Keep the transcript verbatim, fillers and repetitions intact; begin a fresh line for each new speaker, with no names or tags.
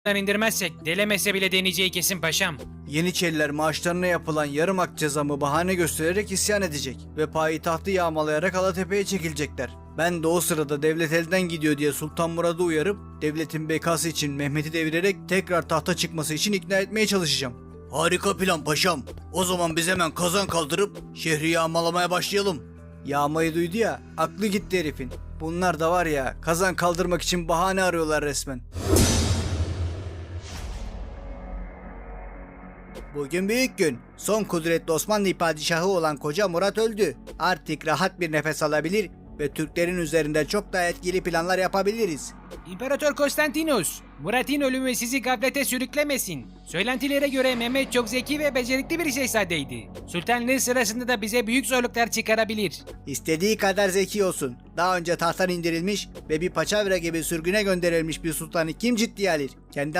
indirmezsek delemese bile deneyeceği kesin paşam.
Yeniçeriler maaşlarına yapılan yarım ak cezamı bahane göstererek isyan edecek ve payitahtı yağmalayarak Alatepe'ye çekilecekler. Ben de o sırada devlet elden gidiyor diye Sultan Murad'ı uyarıp devletin bekası için Mehmet'i devirerek tekrar tahta çıkması için ikna etmeye çalışacağım. Harika plan paşam. O zaman biz hemen kazan kaldırıp şehri yağmalamaya başlayalım. Yağmayı duydu ya, aklı gitti herifin. Bunlar da var ya, kazan kaldırmak için bahane arıyorlar resmen. Bugün büyük gün. Son kudretli Osmanlı padişahı olan Koca Murat öldü. Artık rahat bir nefes alabilir ve Türklerin üzerinde çok daha etkili planlar yapabiliriz.
İmparator Konstantinus, Murat'ın ölümü sizi gaflete sürüklemesin. Söylentilere göre Mehmet çok zeki ve becerikli bir şehzadeydi. Sultanlığı sırasında da bize büyük zorluklar çıkarabilir.
İstediği kadar zeki olsun. Daha önce tahttan indirilmiş ve bir paçavra gibi sürgüne gönderilmiş bir sultanı kim ciddiye alır? Kendi